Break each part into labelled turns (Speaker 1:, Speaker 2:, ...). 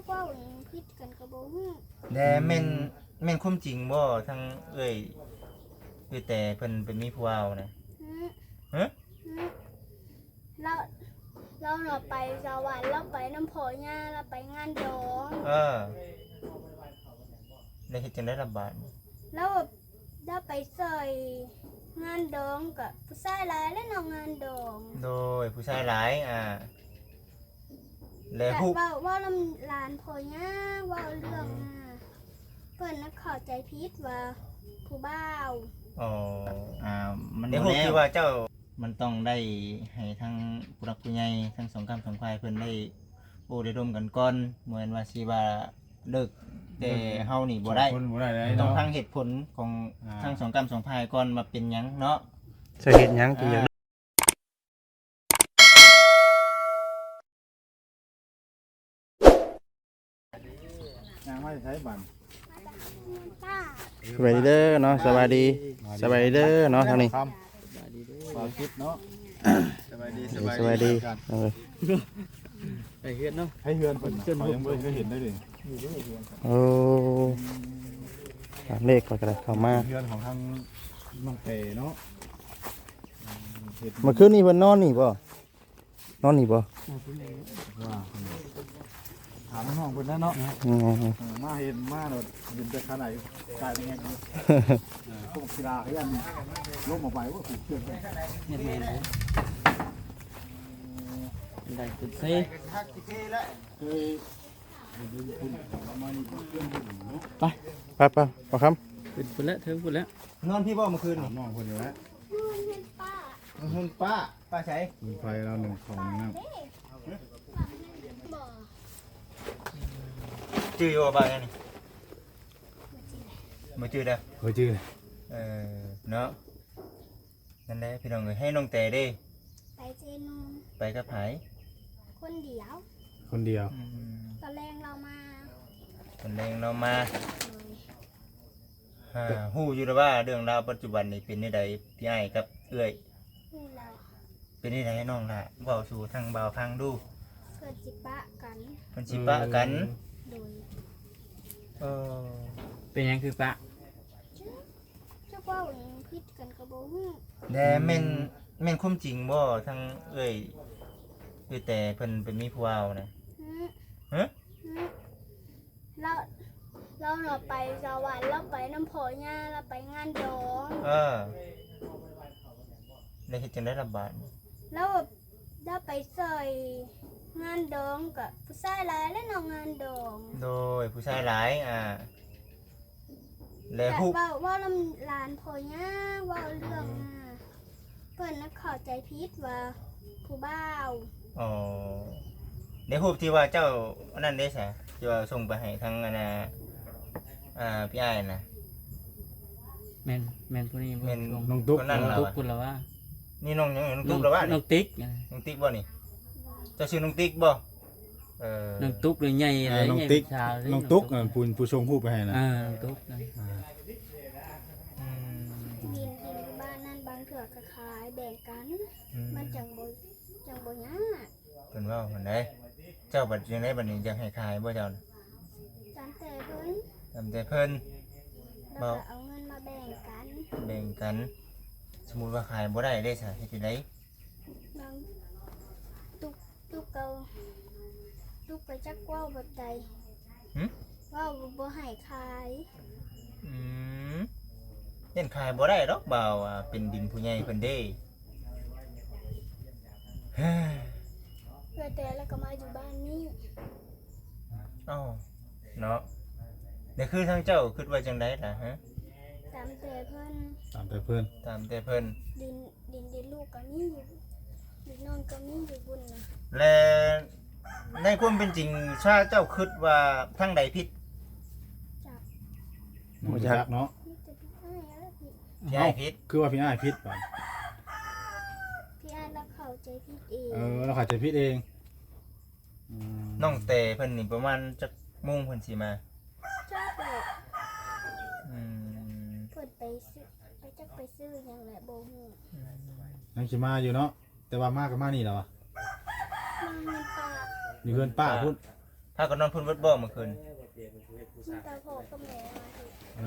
Speaker 1: กว่าพิษกันกระโบฮู้
Speaker 2: แต่แม่นความจริงบ่ทั้งเอ้ยคือแต่เพิ่นเป็นมีผู้เว้านะฮะ
Speaker 1: เราเราไปสวรรค์เราไปน้ำพอย่าเราไปงานดอง
Speaker 2: ได้เฮ็ดจังได๋ล่ะบาด
Speaker 1: แล้วได้ไปใส่งานดองกับผู้ชายหลายและน้องงานดอง
Speaker 2: โดยผู้ชายหลายแล้วฮู้
Speaker 1: ว่าลำลานพอย่าว่าเรื่องเพิ่นน่ะเข้าใจผิดว่าผู้บ่าว
Speaker 2: อ๋อ
Speaker 3: มัน
Speaker 2: ได้ฮู้ที่ว่าเจ้ามันต้องได้ให้ทั้งผู้รักผู้ใหญ่ทั้งสองกรรมสองฝ่ายเพิ่นได้โอ้ได้ร่วมกันก่อนเหมือนว่าสิว่าเลิกแต่เฮานี่บ่ได้ต้องฟังเหตุผลของทั้งสองกรรมสองฝ่ายก่อนมาเป็นหยังเนาะ
Speaker 4: จะเฮ็ดหยังจึงอยาก
Speaker 3: ยังไม่ใช้บัตร
Speaker 4: สบายดีเด้อเนาะสบายดีเด้อเนาะทางนี้
Speaker 3: ความคิดเนาะสบายดี
Speaker 4: ไปเฮือนเนาะ
Speaker 3: ให้เฮือนเพิ่นเขายังไม่เคยเห็นได้เลย
Speaker 4: โอ้เลขก็ได้เข้ามา
Speaker 3: เฮือนของทางน้องเตเนาะ
Speaker 4: เมื่อคืนนี้เพิ่นนอนนี่บ่
Speaker 3: ว่าถามน้องเพิ่นนะเนาะมาเห็นมาโดดเห็นแต่ขนาดกลายเป็นไงพวกกีฬาเฮือนล้มออกไปว่าถูกเชือก
Speaker 4: ได้จุด
Speaker 3: เคย
Speaker 4: ไปพอครับเป็นพุ่นแล้วถึงพุ่นแล้ว
Speaker 2: นอนพี่บ่เมื่อคืน
Speaker 3: น้องเพิ่นอยู่แล้ว
Speaker 2: เพิ่นป้าใช้
Speaker 3: มีไฟเราหนึ่งของน้ำ
Speaker 2: จื้ออยู่บ่นี่บ่จื้อเด้อ
Speaker 3: บ่จื้อ
Speaker 2: เนาะนั่นแหละพี่น้องเอ้ยให้น้องแต่เด้
Speaker 1: ไปเจนู
Speaker 2: ไปกับไผ
Speaker 1: คนเดียวตอนแรงเรามา
Speaker 2: ฮู้อยู่แล้วว่าเรื่องราวปัจจุบันนี่เป็นจังไดพี่อ้ายกับเอื้อยเป็นจังไดน้องล่ะเว้าสู่ทางบ่าวฟังดู
Speaker 1: เพิ่นสิปะ
Speaker 2: กัน
Speaker 1: โดย
Speaker 4: เป็นหยังคือปะ
Speaker 1: จักว่าพิษกันกระโบฮู้
Speaker 2: แต่แม่นความจริงบ่ทั้งเอ้ยคือแต่เพิ่นเป็นมีผู้เว้านะฮะ
Speaker 1: เราไปสวรรค์เราไปน้ำพอย่าเราไปงานดอง
Speaker 2: ได้เฮ็ดจังได๋ล่ะบาด
Speaker 1: แล้วได้ไปใส่งานดองกับผู้ชายหลายและน้องงานดอง
Speaker 2: โดยผู้ชายหลายแล้วฮู้
Speaker 1: ว่าลำลานพอย่าว่าเรื่องเพิ่นน่ะเข้าใจผิดว่าผู้บ่าว
Speaker 2: ได้ฮู้ที่ว่าเจ้าอันนั้นได้ซะที่ว่าส่งไปให้ทางพี่อ้ายน่ะ
Speaker 4: แม่นผู้นี้
Speaker 2: แม่นน้องตุ๊ก
Speaker 4: นั่นล่ะพุ่นล่ะว่า
Speaker 2: นี่น้องหยังน้องตุ๊กล่ะว่า
Speaker 4: น้องติ๊ก
Speaker 2: บ่นี่เจ้าชื่อน้องติ๊กบ่
Speaker 4: น้องตุ๊กหรือใหญ่อะไร
Speaker 3: น้องติ๊กน้องตุ๊กผู้ชงผู้ไปให้นะ
Speaker 4: น้องตุ๊ก
Speaker 1: ดินบ้านนั่นบางเถื่อก็ขายแบ่งกันมันจังบ่ยาก
Speaker 2: เพิ่นเว้าหั่นได้เจ้าบัดจังได๋บัดนี้อยากให้ขายบ่เจ้า
Speaker 1: ตามแต่เพิ่น
Speaker 2: บ่
Speaker 1: เอาเงินมาแบ่ง
Speaker 2: กัน สมมุติว่าขายบ่ได้ได้ซะเฮ็ดจังได๋
Speaker 1: บางตุกไปจักเว้าแบบใดเว้าบ่ให้ขาย
Speaker 2: เฮ็ดขายบ่ได้ดอกบ่าวเป็นดินผู้ใหญ่เพิ่นเด้
Speaker 1: แต่แล้วก็มาอยู่บ้านนี้
Speaker 2: เนาะเดี๋ยวคือทางเจ้าคิดว่าจังได๋ล่ะฮะ
Speaker 1: ตามแต่เพิ่นดินลูกก็มีอยู่ดินน้องก็มีอยู่บุญนะ
Speaker 2: และในความเป็นจริงถ้าเจ้าคิดว่าทางใดผิด
Speaker 3: บ่จักเนาะ
Speaker 2: พี่อ้ายผิด
Speaker 3: คือว่าพี่อ้ายผิดป่ะ
Speaker 1: พี่อ้ายเราเข้าใจผิดเอง
Speaker 3: เราเข้าใจผิดเอง
Speaker 2: น้องเตเพิ่นนี่ประมาณจักโมงเพิ่นสิมา
Speaker 1: จ้าเพิ่นไปซื้อหยังแหละบ่ฮู้
Speaker 3: ยังสิมาอยู่เนาะแต่ว่ามาก็มานี่แล้ว
Speaker 1: มาเงินป้า
Speaker 3: อยู่เฮือนป้าพุ่น
Speaker 2: ถ้าก็นอนเพิ่นเบิดบ่เมื่อคืน
Speaker 1: มีแต่พ่อกับแม่มาเฮ็ด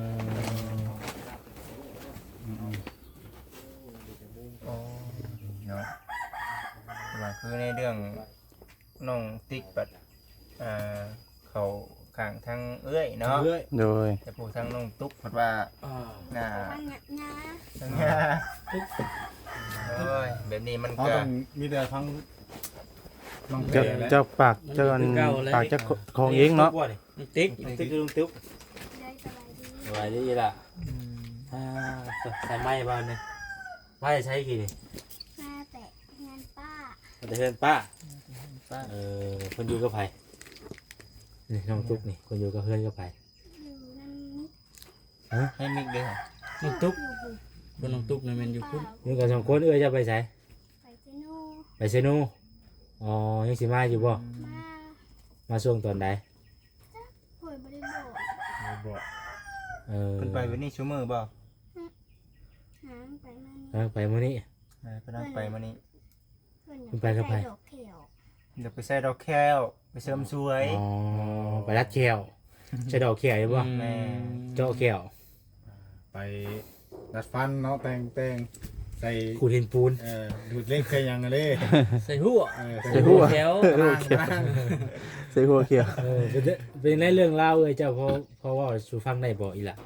Speaker 2: อ๋อเนาะว่าคือในเรื่องน้องติ๊กบัดเขาข้างทางเอื้อยเนาะ
Speaker 3: เรื่อย
Speaker 4: โดย
Speaker 2: แต่ผู้ทางน้องตุ๊กเพิ่นว่าน่า
Speaker 1: ทางหญ้า
Speaker 2: ทางโอ้ยแบบนี้มัน
Speaker 3: เขา
Speaker 2: ก็
Speaker 3: ต้องมีแต่ทั้งน้องเต
Speaker 4: เจ้าปากเจ้าอันปากเจ้าของเองเนาะ
Speaker 5: ติ๊กคือลุงติ๊ก
Speaker 1: ได้สบายดี
Speaker 5: สบายดีล่ะใส่ไม้บ้านเนี่ยไม้ใช้กี่นี่
Speaker 1: มาแต่งานป้า
Speaker 5: แต่เพื่อนป้าคนอยู่กับไผนี่น้องตุ๊กนี่คนอยู่กับเพื่อนกับไผ
Speaker 1: อยู่นั่นนี่
Speaker 2: ให้มิกเด้อ
Speaker 5: น้องตุ๊ก
Speaker 1: อยู่บุ
Speaker 5: คนน้องตุ๊กนี่มันอยู่
Speaker 1: ป้า
Speaker 5: อยู่กับ2คนจะไปใช้
Speaker 1: ไปเจโน่
Speaker 5: ไปเซนูอ๋อยังสิมาอยู่บ่
Speaker 1: มา
Speaker 5: มาช่วงตอนใด
Speaker 1: หวยบริโภค
Speaker 3: บอก
Speaker 2: เพิ่นไปวันนี้ชั่วโมงบ่
Speaker 1: หางไปมัน
Speaker 5: ไปมื้อนี้
Speaker 2: เพิ่นไปมื้อนี้
Speaker 1: เพิ่น
Speaker 5: เพิ่นไปกับไผ
Speaker 1: ดอกเขียว
Speaker 2: เดี๋ยวไปใส่ดอกแก้วไปเสริมสวย
Speaker 5: อ๋อไปรัดแขวใช้ดอกแขวอยู่บ่
Speaker 2: แม่
Speaker 5: เจาะแขว
Speaker 3: ไปดัดฟันเนาะแต่งใส่
Speaker 5: ขูดหินปูน
Speaker 3: ดูดเล็กใส่ยังเลย
Speaker 5: ใส่หัว
Speaker 3: ใส่หัว
Speaker 5: แขว
Speaker 4: ใส่หัวเขียว
Speaker 5: เป็นในเรื่องเล่าเลยเจ้าเพราะว่าสูฟังได้บ่อีหล่ะ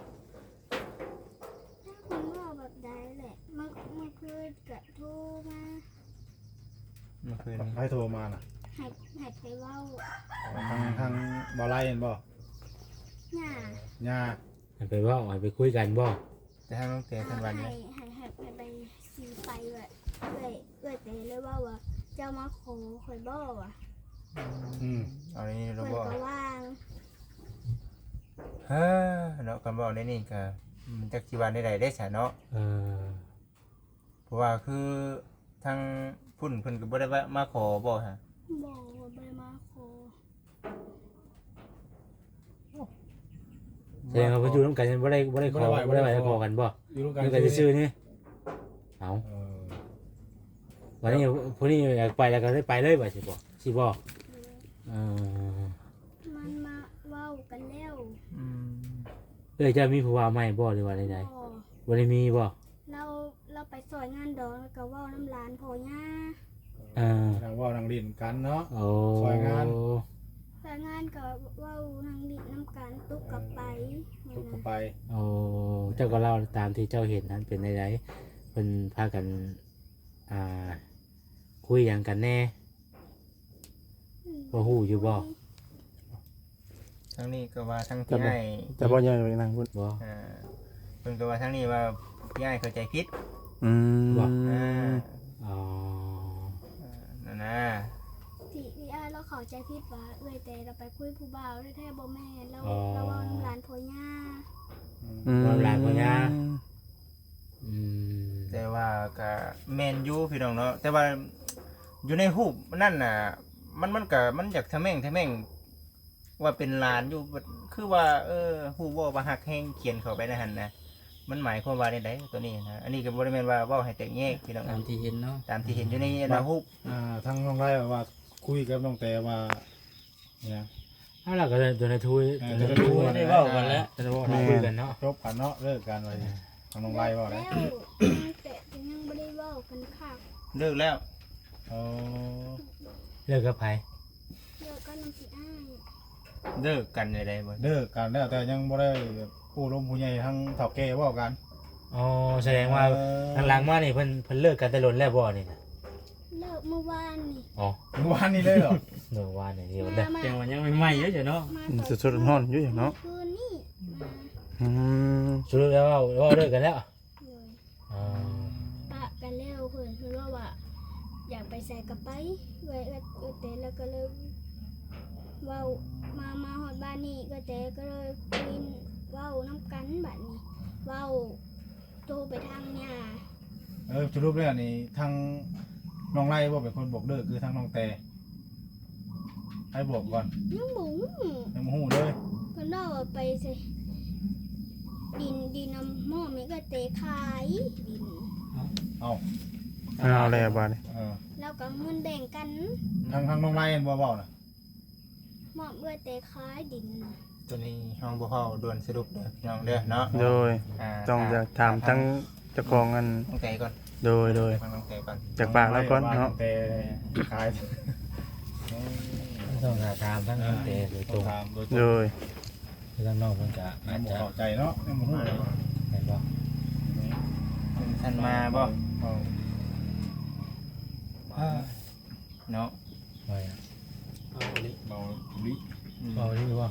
Speaker 1: คุณว่าแบบใดแหละเมื่อคืนกระทูมา
Speaker 2: เมื่อคืน
Speaker 3: ให้โทรมาน่ะ
Speaker 1: หัดไปเว้า
Speaker 3: ทางบ่ไล่เห็นบ่
Speaker 1: หญ้า
Speaker 3: ย่า
Speaker 5: ให้ไปเว่าให้ไปคุยกันบ่
Speaker 2: แต่ถ้าน้องเตะเพิ่นวันนี้
Speaker 1: ให้ไปสีไปแบบเอ้ยแต่เลยว่าเจ้ามาขอคอยบ่ว่ะ
Speaker 2: เอาในนี้เรา
Speaker 1: เพิ่น
Speaker 2: บอก
Speaker 1: ก็ว่าง
Speaker 2: เฮ้อเนาะกันบอกในนี้ก็จักสิว่าได้ได้ซะเนาะ
Speaker 5: เออ
Speaker 2: เพราะว่าคือทางพุ่นเพิ่นก็บ่ได้ว่ามาขอบ่ฮะ
Speaker 1: บอกว่าบ่ได้มาขอ
Speaker 5: แสดงว่าเพิ่นอยู่ร่วมกันบ่ได้ขอบ่ได้ไปขอกันบ่
Speaker 3: อยู่ร่วม
Speaker 5: อ
Speaker 3: กัน
Speaker 5: ยู่กันซื่อๆนี่เอา
Speaker 3: เออ
Speaker 5: วันนี้ผู้นี้อยากไปแล้วก็ได้ไปเลยบ่สิบ่เออ
Speaker 1: มันมาเว้ากันแล้ว
Speaker 2: อืม
Speaker 5: เอ้ยเจ้ามีผู้ว่าใหม่บ่หรือว่าใด
Speaker 1: บ่
Speaker 5: ๆบ่ได้มีบ่
Speaker 1: เราไปซอยงานดอกแล้วก็เว้าน้ำลานพ่อย่า
Speaker 5: เออ
Speaker 3: ทางว่านางดินกันเนาะ
Speaker 5: โอ้
Speaker 3: ซอยงาน
Speaker 1: แต่งานก็เว้าทางดิน้ำกันตุกกลับไป
Speaker 3: ทุกคนไป
Speaker 5: โอ้เจ้าก็เล่าตามที่เจ้าเห็นนั้นเป็นใดๆเพิ่นพากันคุยหยังกันแน่ บ่ฮู้อยู่บ่
Speaker 2: ทางนี้ก็ว่าทางที่ให้
Speaker 4: แต่บ่ยังไปนั่งพูด
Speaker 5: บ่
Speaker 2: เพิ่นก็ว่าทางนี้ว่าพี่ให้เข้าใจผิด
Speaker 4: อืม
Speaker 5: อ๋อ
Speaker 2: นั่นนะ
Speaker 1: ที่เราเข้าใจผิดว่าเอ้ยแต่เราไปคุยผู้บ่าวแท้ๆบ่แม่นเราเว้าน้ำลานพ่อย่า
Speaker 5: อืม
Speaker 2: แต่ว่าก็แม่นอยู่พี่น้องเนาะแต่ว่าอยู่ในรูปนั่นน่ะมันก็มันอยากทะแม่งว่าเป็นหลานอยู่คือว่าฮู้ว่าฮักแฮงเขียนเข้าไปในหั่นนะมันหมายความว่าได้ตัวนี้นะอันนี้ก็บ่ได้แม่นว่าเว้าให้แตกแยกพี่น้อง
Speaker 5: ตามที่เห็นเนาะ
Speaker 2: ตามที่เห็นอยู่ในรูป
Speaker 3: ทางน้องไล่ว่าคุยกับน้องแต่ว่าเนี่ย
Speaker 5: เอาล่ะก็ตัวในทุย
Speaker 3: ตัวในทุย
Speaker 5: ได้เว้ากันแล้วจะเว้าคุยกันเนาะ
Speaker 3: จบกันเนาะเลิกกันไปทางน้องไล่ว่า
Speaker 1: แล้
Speaker 3: แล้ว ว
Speaker 1: แต่ยังบ่ได้เว้ากันคัก
Speaker 2: เลิกแล้ว
Speaker 3: อ๋อ
Speaker 5: เลิกกับไผ
Speaker 1: เดี๋ยวก็น้ำสิอ้าย
Speaker 2: เลิกกันได้บ่
Speaker 3: เลิกกันแล้วแต่ยังบ่ได้ผู้ล้มผู้ใหญ่ทั้งเฒ่าแก่เว้ากัน
Speaker 5: อ๋อแสดงว่าทางหลังมานี่เพิ่นเลิกกันแต่ล้นแล้วบ่นี่นะ
Speaker 1: เลิกเมื่อวานนี่
Speaker 5: อ๋อ
Speaker 3: เมื่อวานนี้เลยเหรอ
Speaker 5: เมื่อวานนี่เดี๋ยวเด้อ
Speaker 1: จังหวะ
Speaker 5: ยังใหม่ๆอยู่จ้ะเนาะ
Speaker 1: มา
Speaker 4: สดๆร้อนๆอยู่อย่างเนาะ
Speaker 1: คืนนี่มา
Speaker 4: อืม
Speaker 5: สรุปแล้วว่าเลิกกันแล้ว
Speaker 1: เลย
Speaker 5: อ๋อ
Speaker 1: ปะกันแล้วเพิ่นว่าอยากไปใส่กระไปไว้แต่แล้วก็เลยเว้ามาฮอดบ้านนี่ก็แต่ก็เลยคุยเว้าน้ำกันบัดนี้เว้าโทรไปทางย่า
Speaker 3: สรุปแล้วนี่ทางน้องไล่บ่เป็นคนบอกเลิกคือทางน้องแต่ให้บอกก่อน
Speaker 1: ยังบ่ฮู้
Speaker 3: ยังบ่ฮู้เลย
Speaker 1: เพิ่นว่าไปใส่ดินน้ำหม้อมีก็เตะขายดิน
Speaker 3: เอา
Speaker 4: เอาแล้วบาดนี้
Speaker 3: เออ
Speaker 1: แล้วก็เงินแบ่งกัน
Speaker 3: ทางน้องไล่เห็นบ่เว้าน่ะ
Speaker 1: มอบเอื้อแต่คล้ายดินน่ะ
Speaker 2: ตัวนี้ห้องบ่เฮาด่วนสรุปเด้อพี่น้องเด้อเนาะ
Speaker 4: โดย
Speaker 2: อ่า
Speaker 4: ต้องอยากถามทั้งเจ้าของอัน
Speaker 2: น้องแต่ก่อน
Speaker 4: โดย
Speaker 2: ฟังน้องแต่ก่อน
Speaker 4: จากปากแล้วก่อนเนาะ
Speaker 3: แต่ขาย
Speaker 5: ต้องถามทั้งน้องเตโดยตรง
Speaker 3: ถามโดยต
Speaker 4: โด
Speaker 3: รง
Speaker 4: ย
Speaker 5: คือทั้งน้องเพิ่นก็อาจ
Speaker 3: บ่
Speaker 5: จะ
Speaker 3: เข้าใจเนาะยังบ่ฮู้เลย
Speaker 5: แม่นบ่
Speaker 2: ท่านมาบ่
Speaker 3: เอา
Speaker 2: เนาะ
Speaker 5: ว่า
Speaker 3: เบาลิ
Speaker 5: บ่ดีบ่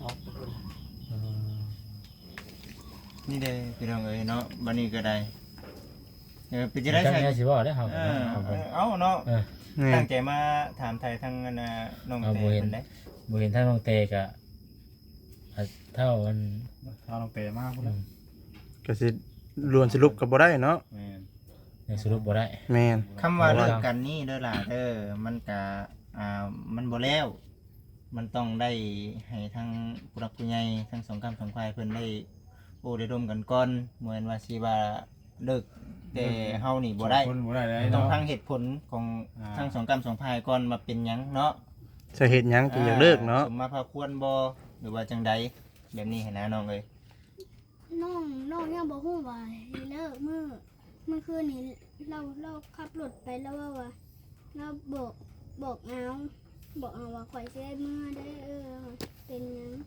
Speaker 2: นี่เด้อพี่น้องเอ้ยเนาะบัดนี้ก็ได้เป็นจะ
Speaker 5: ได้
Speaker 2: ได้
Speaker 5: ใช่
Speaker 2: ใช่
Speaker 5: สิบ่ได้เฮา
Speaker 2: เอาเนาะ
Speaker 4: นี่
Speaker 2: ตั้งใจมาถามไทยทั้งอันน่ะน้องแต่เพิ่นได้
Speaker 5: บ่เห็นทั้งน้องเตก็เท่ามัน
Speaker 3: ถ้าเราเตะมากพุ่นน่ะ
Speaker 4: ก็สิรวนสรุปก็บ่ได้เนาะ
Speaker 3: แม่น
Speaker 5: ยังสรุปบ่ได้
Speaker 4: แม่น
Speaker 2: คำว่าเลิกกันนี่เด้อล่ะเด้อมันก็มันบ่แล้วมันต้องได้ให้ทั้งผู้รักผู้ใหญ่ทั้งสองกรรมสองฝ่ายเพิ่นได้โอ้ได้ร่วมกันก่อนเหมือนว่าสิว่าเลิกแต่เฮานี่บ่ได้
Speaker 3: คนบ่ได้เลย
Speaker 2: ต้อง
Speaker 3: เนาะ
Speaker 2: ฟังเหตุผลของทั้งสองกรรมสองฝ่ายก่อนมาเป็นหยังเนาะ
Speaker 4: สาเหตุหยังจึงอยากเลิกเนาะ
Speaker 2: สมมาพาควรบ่หรือว่าจังใดแบบนี้ให้นะน้องเอ้ย
Speaker 1: น้องยังบอกฮู้ว่าให้เลิกเมื่อคืนนี้เราขับรถไปแล้วว่าเราบอกเอาว่าข่อยสิได้เมื่อได้เป็นหยัง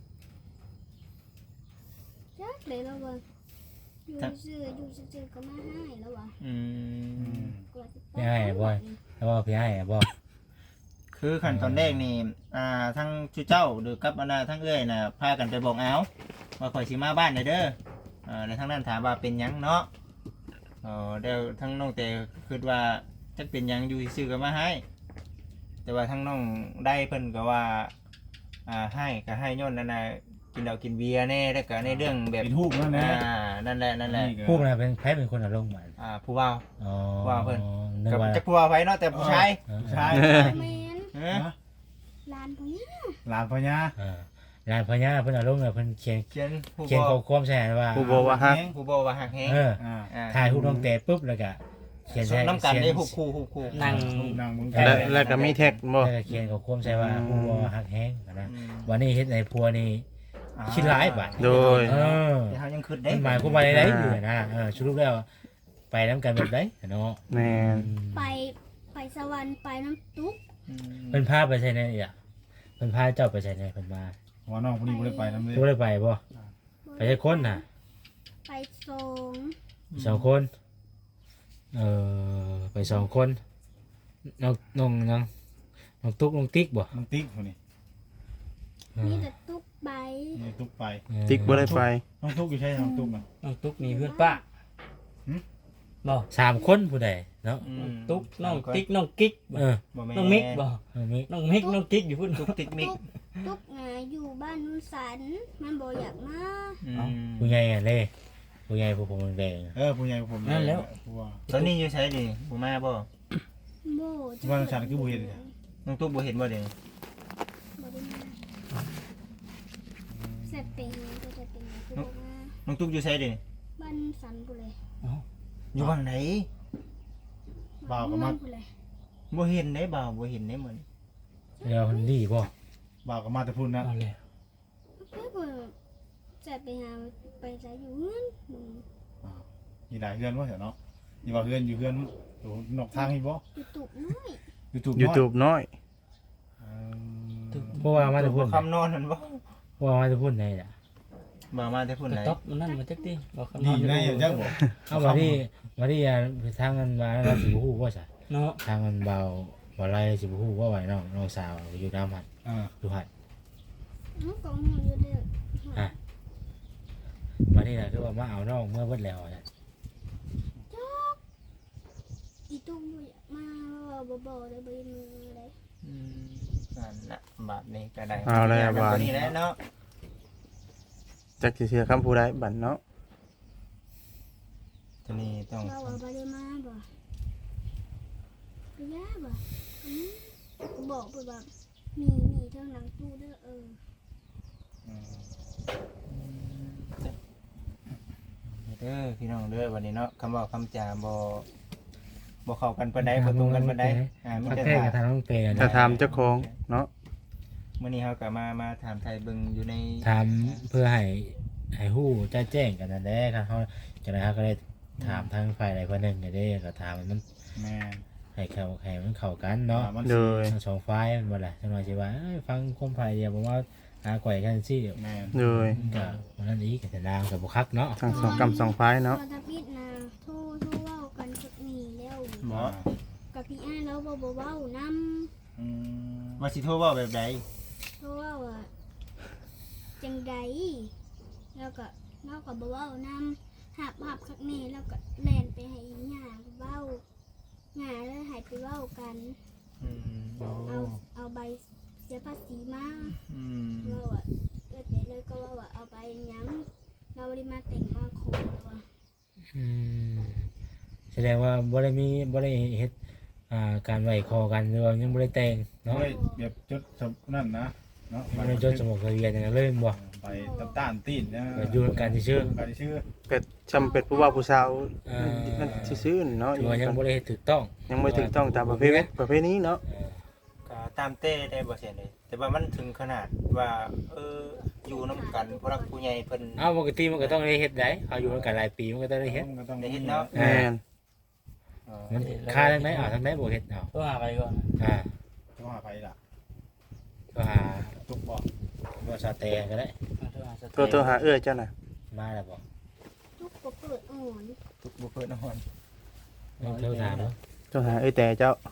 Speaker 1: จักเลยแล้วว่าอยู่ซื่อก็มาให้แล้วว่า
Speaker 2: อืม
Speaker 1: กว่าสิไป
Speaker 5: ไม่ให้บ่แล้วว่าพี่ให้บ่
Speaker 2: คือขั้นตอนแรกนี่ทั้งชูเจ้าหรือกับทั้งเอ้ยน่ะพากันไปบอกเอาว่าข่อยสิมาบ้านได้เด้อในทั้งนั้นถามว่าเป็นหยังเนาะเดี๋ยวทั้งน้องแต่คิดว่าจักเป็นหยังอยู่ซื่อๆก็มาให้ แต่ว่าทั้งน้องได้เพิ่นก็ว่าให้ก็ให้ย้อนนั่นน่ะกินเหล้ากินเบียร์แน่แล้วก็ในเรื่องแบบ
Speaker 3: เป็นฮูกนั่นแหละ
Speaker 2: นั่นแหละ
Speaker 5: ผู้น่ะเป็นใครเป็นคนอารมณ์หวาน
Speaker 2: ผู้ว่า
Speaker 5: อ๋อ
Speaker 2: ว่าเพิ่น
Speaker 5: นึก
Speaker 2: กับ
Speaker 5: ว่า
Speaker 2: จักผู้ว่าไว้เนาะแต่ผู้ชาย
Speaker 3: ใช่
Speaker 1: แม่น
Speaker 2: เออ
Speaker 1: ลานพวกนี้
Speaker 3: หลานพญา
Speaker 5: ร้านพญาเพิ่นอารมณ์น่ะเพิ่นเขียน
Speaker 2: เขียนผู้
Speaker 5: เขียนข้อความใส่ว่า
Speaker 4: ผู้บอกว่าฮัก
Speaker 2: ผู้บอกว่าหักแฮง
Speaker 5: ถ่ายรูปน้องเตะปุ๊บแล้วก็เขียน
Speaker 2: ส่งน้ำกันได้หุบคู่
Speaker 5: นั่ง
Speaker 3: นางมึง
Speaker 4: แล้วก็มีแท็กบ่
Speaker 5: แล้วก็เขียนข้อความใส่ว่าผู้บ่ฮักแฮงนะวันนี้เฮ็ดในพัวนี่คิดหลายบาท
Speaker 4: โดย
Speaker 5: เออ
Speaker 2: เดี๋ยวเขายังคืดได้
Speaker 5: มันหมายความว่าได้อยู่นะสรุปแล้วไปนํกันแบบใดเนาะ
Speaker 4: แม่น
Speaker 1: ไปสวรรค์ไปน้ำตุ๊ก
Speaker 5: เพิ่นพาไปใส่ในอ่ะเพิ่นพาเจ้าไปใส่ในเพิ่นมา
Speaker 3: ว่าน้องคนนี้บ่ได้ไปนำเลย
Speaker 5: ตัวได้ไปบ่ไปได้คนน่ะ
Speaker 1: ไปส่ง
Speaker 5: สองคนไปสองคนน้องตุ๊กน้องติ๊กบ่
Speaker 3: น้องติ๊กคนนี้
Speaker 1: มีแต่ตุ๊กใบ
Speaker 3: นี่ตุ๊กไป
Speaker 4: ติ๊กบ่ได้ไป
Speaker 3: น้องตุ๊กอยู่ใช่น้องตุ๊กอ่ะ
Speaker 6: น้องตุ๊กนี่เพื่อนป้าบ่
Speaker 5: สามคนผู้ใดเนาะ
Speaker 6: ตุ๊กน้องติ๊กน้องกิ๊กบ่ น้องมิกบ่
Speaker 5: น้องมิก
Speaker 6: น้องมิกน้องกิ๊กอยู่พุ่น
Speaker 2: ตุ๊กติ๊กมิก
Speaker 1: ตุ๊กอยู่บ้านนุ่นสันมันบ่อยากมา
Speaker 5: ผู้ใหญ่อะเล่ผู้ใหญ่ผู้ผมแดง
Speaker 3: ผู้ใหญ่ผมผู้ว่า
Speaker 2: ตอนนี้อยู่ใช้ดิบ่มาบ่
Speaker 1: โบ
Speaker 3: ว่าฉันคือบ่เห็น
Speaker 2: น้องตุ๊กบ่เห็นบ่เด้
Speaker 1: บ่ได้มาเสร็จเป็นก็จะเป็นคือบ่มา
Speaker 2: น้องตุ๊กอยู่ใช้ดิ
Speaker 1: บ้านสันกูเลย
Speaker 2: อยู่บ้านไหน
Speaker 3: บ่าวก็มา
Speaker 1: กูเลย
Speaker 2: บ่เห็นได้บ่าวบ่เห็นได้เหมือน
Speaker 5: แล้วคนดีบ่
Speaker 3: บ่าวก็มาแต่พุ่นนะ
Speaker 6: เอาเลย
Speaker 1: เพื่อบ่จะไปหาไปจะอยู่เฮือนมึง
Speaker 3: มีหลายเฮือนว่าเนาะนี่ว่าเฮือนอยู่เฮือนนอกทางนี่บ่
Speaker 1: อยู่ตุกน้อย
Speaker 4: YouTube น้อย
Speaker 5: เพราะว่ามาแต่พุ่น
Speaker 2: คำนอนนั่นบ่
Speaker 5: เพราะว่ามาแต่พุ่นไหนล่ะ
Speaker 2: บ่มาแต่พุ่น
Speaker 6: ก
Speaker 2: ไหน
Speaker 6: ระต๊อบมันนั่นมาจักติบ่คำน
Speaker 3: นี่
Speaker 6: อน
Speaker 3: ได้จังบ่
Speaker 5: เอามาที่ทางกันมาแล้วสิบ่ฮู้ว่าซะ
Speaker 6: เนาะ
Speaker 5: ทางกันเบาบ่ไรสิบ่ฮู้ว่าไหวน้องสาวอยู่น้ำหัดอยู่หัด
Speaker 1: น้องกองหัวอยู่เด้อ
Speaker 5: มานี่น่ะคือว่ามาเอาน้องเมื่อเบิดแล้วน่ะ
Speaker 1: อีตุ้มบ่อยากมาบ่ได้บ่มือเลย
Speaker 2: นั่นน่ะบาดนี้ก็ได้
Speaker 4: เอาแล้วบาด
Speaker 2: นี้แหละเนาะ
Speaker 4: จักสิเชื่อคำผู้ใดบัดเนาะ
Speaker 2: ตัวนี้ต้อง
Speaker 1: เราบ่ได้มาบ่ไปย่าบ่บอกไปว่ามีเท่าหนังตู้เด้อ
Speaker 2: เด้อพี่น้องเด้อวันนี้เนาะคำบอกคำจาบ่เข้ากันปานใดบ่ตรงกันปานใด
Speaker 5: มันแท้กับทางน้องเตย
Speaker 4: ถ้าถามเจ้าของเนาะ
Speaker 2: มื้อนี้เฮาก็มาถามไทยเบิ่งอยู่ใน
Speaker 5: ถามเพื่อให้ฮู้แจ้งกันนั่นแหละครับเฮาจังได๋เฮาก็ได้ถามทางฝ่ายใดฝ่ายหนึ่งได้ก็ถามมัน
Speaker 3: แม่
Speaker 5: ให้มันเข้ากันเนาะ
Speaker 3: มัน
Speaker 4: โดย
Speaker 5: ทั้งสองฝ่ายมันบ่ล่ะจังหน่อยสิว่าฟังความฝ่ายเดียวบ่ว่าหาข่อยกันสิ
Speaker 3: แม่
Speaker 4: โดย
Speaker 5: ก็วันนั้นอีกก็จะนางก็บ่คักเนาะ
Speaker 4: ทั้งสองกำสองพายเนาะ
Speaker 1: ตอนทับพิษนะโทรเว้ากันสักนี่แล้ว
Speaker 2: หมอ
Speaker 1: กับพี่อ้ายแล้วบ่เว้านำ
Speaker 3: อืม
Speaker 2: ว่าสิโทรเว้าแบบใด
Speaker 1: โทรเว้าว่าจังใดแล้วก็เราก็บ่เว้านำหับคักแน่แล้วก็แล่นไปให้อีหญ้าเว้าหญ้าเลยให้ไปเว้ากัน
Speaker 2: อืม
Speaker 1: เอาใบเสียภาษีมา
Speaker 2: อืม
Speaker 1: เราอะแต่เลยก็ว่าเอาไปยังเราได้มาแต่งมาขอว่า
Speaker 5: อืมแสดงว่าบ่ได้เฮ็ดการไหวคอกันหรือว่ายังบ่ได้แต่งเนาะ
Speaker 3: เฮ้ยแบบจดสมนั่นนะเนาะ
Speaker 5: บ่ได้จดสมุดทะเบียนอย่างนั้นเลยบ่
Speaker 3: ไปต้านตีนนะ
Speaker 5: ก็อยู่กันซื่อ
Speaker 3: การชื่อ
Speaker 4: เป็ดจำเป็ดผู้ว่าผู้สาว
Speaker 5: อ่า
Speaker 4: นั่นซื่อๆเนาะ
Speaker 5: ถือว่ายังบ่ได้เฮ็ดถูกต้อง
Speaker 4: ยังไม่ถูกต้องตามประเพณีเนาะ
Speaker 2: ก็ตามเต้ได้บ่เสียเลยแต่ว่ามันถึงขนาดว่าอยู่นํกันผู้รักผู้ใหญ่เพิ่น
Speaker 5: เอาปกติมันก็ต้องได้เฮ็ดได้เอาอยู่กันหลายปีมันก็ต้องได้เฮ็ด
Speaker 3: ก็ต้อง
Speaker 2: ได้เฮ็ดเนาะ
Speaker 4: แม่น
Speaker 5: มันค่าทางไหนทางไหนบ่เฮ็ดเอา
Speaker 6: ก็หาไปก่อน
Speaker 3: ต้องหาไปล่ะ
Speaker 5: ก็หา
Speaker 3: ตุกบ่
Speaker 5: บ่ซาเตก็ได้
Speaker 4: ตัวหาเจ้าน่ะ
Speaker 5: มาแล้วบ่
Speaker 1: ทุกก็เปิดอ่อน
Speaker 2: ทุกบ่เพิ่นนอน
Speaker 5: ต้องเท่าถามเนาะ
Speaker 4: ตัวหาแต่เจ้า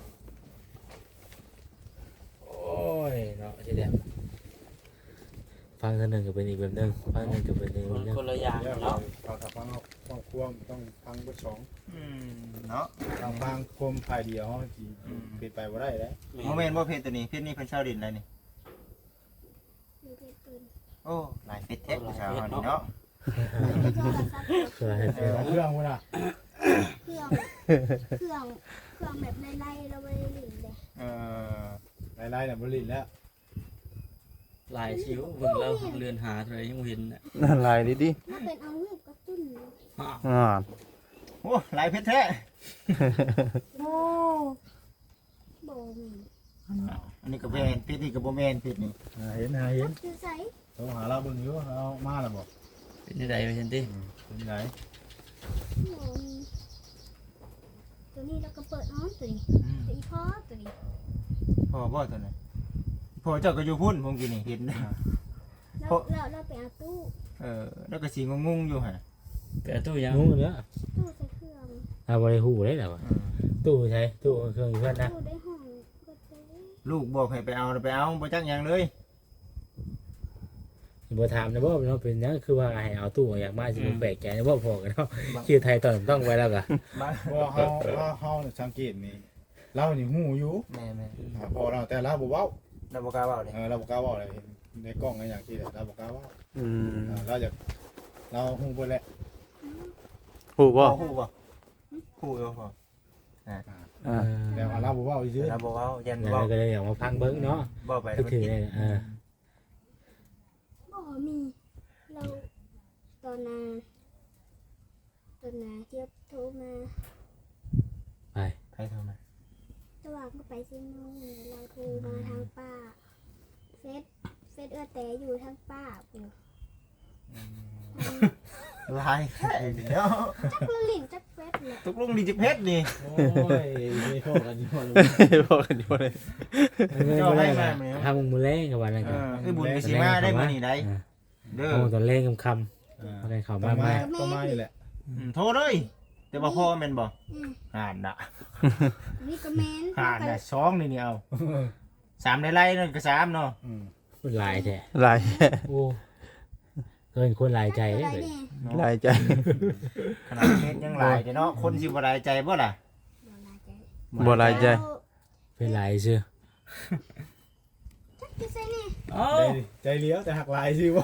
Speaker 5: โอ้ยเนาะสิเด้ฟังเทื่อนึงก็เป็นอีกแบบนึงฟังนึงก็เป็นอีกแบบนึง
Speaker 6: คนละอย่าง
Speaker 3: แล้ว
Speaker 6: เนาะ
Speaker 3: เราถ้าฟังครอบครัวต้องฟังเบิดสอง
Speaker 2: เนาะ
Speaker 3: ฟังคมภายเดียวเฮาสิเป็นไปบ่ได้แล้ว
Speaker 2: บ่แม่นบ่เพชรตัวนี้เพชรนี่เพิ่นเช่าดินแล้วนี่
Speaker 1: มีเพชรปืน
Speaker 2: โอ้หลายเพชรแท้ผู้สาวเฮานี่เนาะ
Speaker 1: โทรศัพท์
Speaker 5: คือให้
Speaker 3: เครื่องพุ่นน่ะ
Speaker 1: เครื่องแบบไล่ๆเราไม่ได้หลินเลย
Speaker 3: ไล่ๆน่ะบ่ลิ้นแล้ว
Speaker 6: หลายชิวเบิ่งแล้วเรือนหาเท่าไหร่ยังบ่เห็นน่ะ
Speaker 4: นั่นลายดิ
Speaker 1: ถ้าเป็นเอาลูกกระตุ้น
Speaker 4: อ่า
Speaker 2: โอ้หลายเพชรแท้
Speaker 1: โอ้โบมี
Speaker 2: อันนี้ก็แม่นเพชรนี่ก็บ่แม่นเพชรนี่
Speaker 3: เห็น
Speaker 1: คือใส่
Speaker 3: โทรหาเราเบิ่งอยู่เอามาแล้วบ่
Speaker 6: เป็นจังไดไปเห็นติ
Speaker 3: เป็นไง
Speaker 1: โบมีตัวนี้เราก็เปิดอ้อนตัวนี้ตัวอีพ่อตัวนี้
Speaker 2: พ่อบ่ตัวนั้นพ่อเจ้าก็อยู่พุ่นผมกินนี่เห็น
Speaker 1: เราไปเอาตู้
Speaker 2: แล้วก็สิงงๆอยู่หั่น
Speaker 6: เกิดตู้ยัง
Speaker 5: งูเด้อ
Speaker 1: ตู้ใส่เครื่อง
Speaker 5: เอาบ่ได้ฮู้ได้แล้วว่าตู้ใช้ตู้เครื่องอยู่เพิ่นนะ
Speaker 1: ตู้ได้ห้องก็ได้
Speaker 2: ลูกบอกให้ไปเอาบ่จักหยังเลย
Speaker 5: บ่ถามนะบ่เนาะเป็นหยังคือว่าให้เอาตู้อยากมาสิบ่แปลกใจนะบ่พอกันเนาะชื่อไทยตอนต้องไว้แล้วก็
Speaker 3: เพราะเฮาสังเกตนี่เรานี่ฮู้อยู่
Speaker 2: แม่
Speaker 3: พอเราแต่เราบ่เว้า
Speaker 2: ๆเราบ่กล้าเว้าเลย
Speaker 3: เราบ่กล้าเว้าเลยในกล้องอย่างที่เราบ่กล้าเว้า
Speaker 4: อืม
Speaker 3: เราอยากเราฮู้เบิดแหละ
Speaker 4: ฮู้บ่
Speaker 2: ฮู้บ่ฮู้อยู่พ่อ
Speaker 4: อ่า
Speaker 3: แต่ว่าเราบ่เว้าซื่อ
Speaker 2: เราบ่เว้ายัน
Speaker 5: นั่น
Speaker 2: เว้า
Speaker 5: ก็เลยอยากมาฟังเบิ่งเนาะ
Speaker 2: บ่ไป
Speaker 5: คือ
Speaker 2: แล้วมัน
Speaker 5: ถือ
Speaker 2: กิน
Speaker 5: ได้
Speaker 1: บ่มีเราตอนนาเทียบโทรมา
Speaker 5: ไป
Speaker 2: ใครโทรมา
Speaker 1: ตะวากมาไปซิโน่เราโทรมาทางป้าเฟซแต่อยู่ทางป้าปู่
Speaker 2: ลายแท้เนาะ
Speaker 1: จักละลิ่นจักเฟซเลย
Speaker 2: ตกลงดีจิเพชรนี่
Speaker 5: โอ้ยไม่พอกันอยู่เลย
Speaker 4: บอกกันอยู่เลย
Speaker 5: ทำมือแรงกับวันนั้นกัน
Speaker 2: บุญก็สิมาได้มื้อนี้ได้เด้อ
Speaker 5: โอ้ตอนแรงคำๆอะไรเข้า
Speaker 3: ต้
Speaker 5: มา
Speaker 3: อง
Speaker 5: มา
Speaker 3: มาอยู่แหละ
Speaker 2: โทรเลยแต่ว่าพ่อแม่นบ่
Speaker 1: อืม
Speaker 2: ห่านน่ะ
Speaker 1: นี่ก็แมน
Speaker 2: ห่านน่ะ2นี่เอา3ได้ไล่นั่นก็3เนาะ
Speaker 5: คนหลายแท้
Speaker 4: ลาย
Speaker 5: โอ้เกินคนหลายใจเลย
Speaker 1: อะไรเนี่ย
Speaker 4: ลายใจ
Speaker 2: ขนาดเพชรยังหลายเนาะคนสิบ่หลายใจบ่ล่ะ
Speaker 4: บ่ลายใจ
Speaker 5: เป็นหลายซื่อ
Speaker 1: จักจะใส่นี่
Speaker 6: เอ้า
Speaker 3: ใจเลี้ยวแต่หักลายสิบ่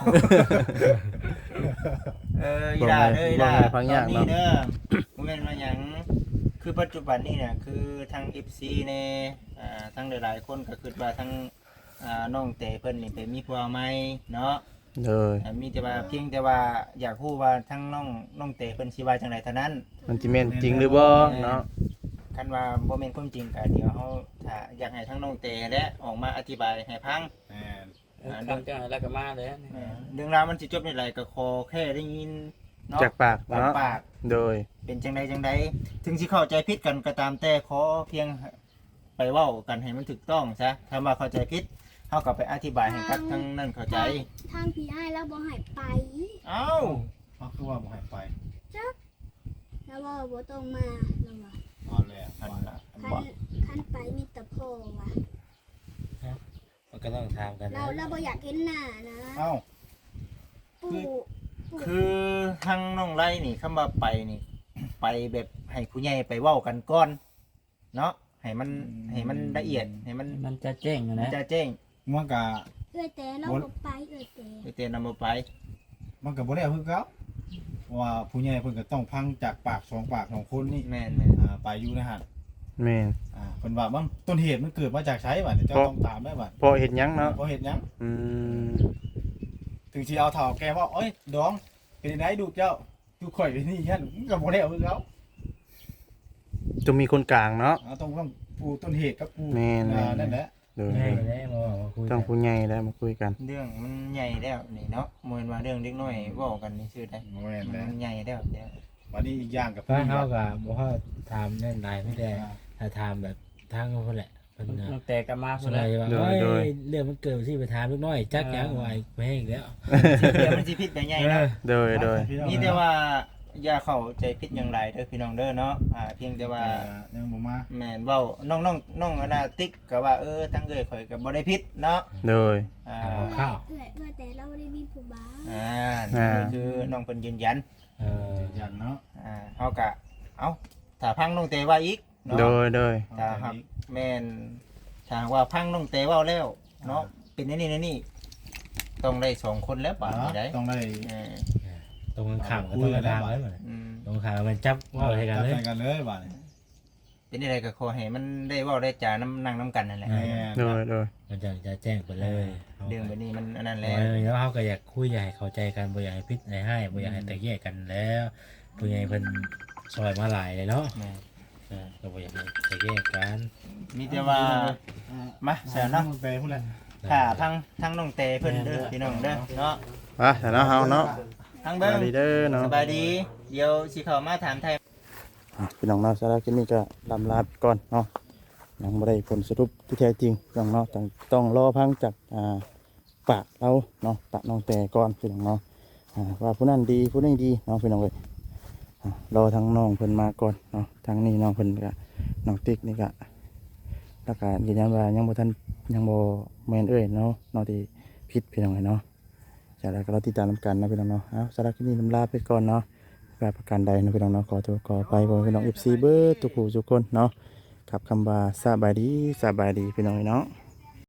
Speaker 2: อีด่าเด้ออีด่าตอนนี้เด้อบ่แม่นว่าหยังคือปัจจุบันนี้น่ะคือทาง FC ในทั้งหลายๆคนก็คิดว่าทั้งน้องเตเพิ่นนี่ไปมีผัวใหม่เนาะ
Speaker 4: เลย
Speaker 2: มีแต่ว่าเพียงแต่ว่าอยากรู้ว่าทั้งน้องเตเพิ่นสิว่าจังไดเท่านั้น
Speaker 4: มันสิแม่นจริงหรือบ่เนาะ
Speaker 2: กคันว่าบ่แม่นความจริงก็เดี๋ยวเฮาถ้าอยากให้ทั้งน้องเตและออกมาอธิบายให้ฟัง
Speaker 3: แม่น
Speaker 6: ทางเจ้าแล้วก็มาเลย
Speaker 2: เรื่องราวมันสิจบในไรก็ขอแค่ได้ยินเนาะ
Speaker 4: จากปากเนาะ
Speaker 2: ปาก
Speaker 4: โดย
Speaker 2: เป็นจังใดถึงสิเข้าใจผิดกันก็ตามแต่ขอเพียงไปเว้ากันให้มันถูกต้องซะถ้าว่าเข้าใจผิดเฮาก็ไปอธิบายให้กับทั้งนั้นเข้าใจ
Speaker 1: ทางพี่อ้ายแล้วบ่ให้ไป
Speaker 2: เอ้า
Speaker 3: เขาคือว่าบ่ให้ไป
Speaker 1: แล้วว่าบ่ต้องมาแล้วว่า
Speaker 3: เอาแล้ว
Speaker 2: อันน่ะ
Speaker 1: คันไปมีแต่พ่อว่ะ
Speaker 5: มันก็ต้องถามกันนะ
Speaker 1: เราบ่อยากเห็นหน้านะ
Speaker 3: เอ้า
Speaker 1: ปู่
Speaker 2: คือทางน้องไร่นี่คำว่าไปนี่ ไปแบบให้ผู้ใหญ่ไปเว้ากันก่อนเนาะให้มันละเอียดให้มัน
Speaker 6: มันจะแจ้งนะ
Speaker 2: จะแจ้ง
Speaker 3: มันก็
Speaker 1: เอ้ยแต่เราบ่ไปเอ้ยแต่
Speaker 2: ไปเตือนนำบ่ไป
Speaker 3: มันก็บ่ได้คือเก่าว่าผู้ใหญ่เพิ่นก็ต้องฟังจากปากสองปากของคนนี่
Speaker 2: แม่น
Speaker 3: ไปอยู่นะฮะ
Speaker 4: แม่น
Speaker 3: เพิ่นว่ามันต้นเหตุมันเกิดมาจากไสบัดเจ้าต้องตามได้บัด
Speaker 4: พอเฮ็ดหยังเนาะ
Speaker 3: เพราะเฮ็ดหยัง
Speaker 4: อืม
Speaker 3: ถึงสิเอาเฒ่าแกว่าเอ้ยดองเป็นไดดูเจ้าดูข่อยเป็นนี่ยันมันก็บ่ได้คือเก่า
Speaker 4: ต้องมีคนกลางเนาะ
Speaker 3: ต้องผู้ต้นเหตุกับผู้
Speaker 4: แม่น
Speaker 3: นั่นแหละ
Speaker 4: โดย
Speaker 5: ใช่แล้วมาคุย
Speaker 4: ต้องผู้ใหญ่แล้วมาคุยกัน
Speaker 2: เรื่องมันใหญ่แล้วนี่เนาะบ่แม่นว่าเรื่องเล็กน้อยเว้ากันนี่ซื่อได้
Speaker 3: แม่นแล้ว
Speaker 2: มันใหญ่แล้วเดี๋ยว
Speaker 3: วันนี้อีกอย่างกับ
Speaker 5: ฟ้าเฮาก็บ่ฮอดถามแน่นหลายไม่ได้ถ้าถามแบบทางคนแหละเพิ่นน่ะ
Speaker 6: แต่ก็มา
Speaker 5: ส่วนใหญ่ว่า
Speaker 4: โดย
Speaker 5: เอ้ยเรื่องมันเกิดที่ไปถามลูกน้อยจักหยังว่าไปให้อีกแล้ว
Speaker 2: เดี๋ยวมันสิผิดไปใหญ่เนาะ
Speaker 4: โดยโดย
Speaker 2: นี่แต่ว่าอย่าเข้าใจผิดอย่างไรเด้อพี่น้องเด้อเนาะเพียงแต่ว่า
Speaker 3: ยังบ่มา
Speaker 2: แม่นเว้าน้องอนาติ๊กก็ว่าทั้งเอ้ยข่อยก็บ่ได้ผิดเนาะ
Speaker 4: โดย
Speaker 2: อ่า
Speaker 5: ข้าว
Speaker 1: เอ้ยแต่เราบ่ได้มีผู้บ่าว
Speaker 2: นี่คือน้องเพิ่นยืนยัน
Speaker 3: ยันเนาะ
Speaker 2: เฮาก็เอ้าถ้าพังน้องเตว่าอีกเนาะ
Speaker 4: โดยโดย
Speaker 2: ถ้าหากแม่นถ้าหากว่าพังน้องเตเว้าแล้วเนาะเป็นนี่นี่ต้องได้2คนแล้วป่านนี้ได้
Speaker 3: ต้องได้
Speaker 2: เออ
Speaker 5: ตรงกันข้ามก็ต้องกระทางแล้วมัน
Speaker 2: อืม
Speaker 5: ตรงข้ามมันจับว่าให้กันเลย
Speaker 3: จับกันเลยบัดนี้
Speaker 2: เป็นอะไรก็ขอให้มันได้เว้าได้จานั่งน้ำกันนั่นแหละ
Speaker 3: แม่
Speaker 4: โดยโดย
Speaker 5: มันจะแจ้งไปเลย
Speaker 2: เรื่องแบบนี้มันอันนั้นแห
Speaker 5: แล้
Speaker 2: ละ
Speaker 5: วเขาก็อยากคุยอยากให้เข้าใจกันบ่อยากให้พิษให้บ่อยากให้แตกแยกกันแล้วผู้ใหญ่เพิ่นซอยมาหลายเลยเนาะ
Speaker 2: แม่
Speaker 5: ก็บ่อยากให้แตกแยกกัน
Speaker 2: มีแต่ว่ามาเสียเนาะ
Speaker 3: ไปพุ่นแหละ
Speaker 2: ถ้าทั้งน้องเตเพิ่นเด้อพี่น้องเด้อเนาะ
Speaker 4: อ่ะแต่เนาะเฮาเนาะ
Speaker 2: ทั้ง
Speaker 4: ส
Speaker 2: เบิ้ง
Speaker 4: วัสดีเด้อเนาะ
Speaker 2: สบายดี เดี๋ยวสิเข้ามาถามไทย
Speaker 4: พี่น้องเนาะสำหรับคลิปนี้ก็ลำลาไปก่อนเนาะยังบ่ได้ผลสรุปที่แท้จริงพี่น้องเนาะต้องรอพังจากปากเราเนาะปากน้องแต่ก่อนพี่น้องเนาะว่าผู้นั้นดีผู้นี้ดีเนาะพี่น้องเอ้ยรอทั้งน้องเพิ่นมาก่อนเนาะทางนี้น้องเพิ่นก็น้องติ๊กนี่ก็แล้วก็ยืนยันว่ายังบ่ทันยังบ่แม่นเอ้ยเนาะเนาะที่ผิดพี่น้องเอ้ยเนาะจากนั้นก็เราติดตามนำกันนะพี่น้องเนาะเอาสำหรับคลิปนี้ลำลาไปก่อนเนาะแบบประการใดนะพี่น้องเนาะขอตัวขอไปบ่พี่น้อง FC เบิดทุกผู้ทุกคนเนาะกับคำว่าสบายดีพี่น้องเอ้ยเนาะ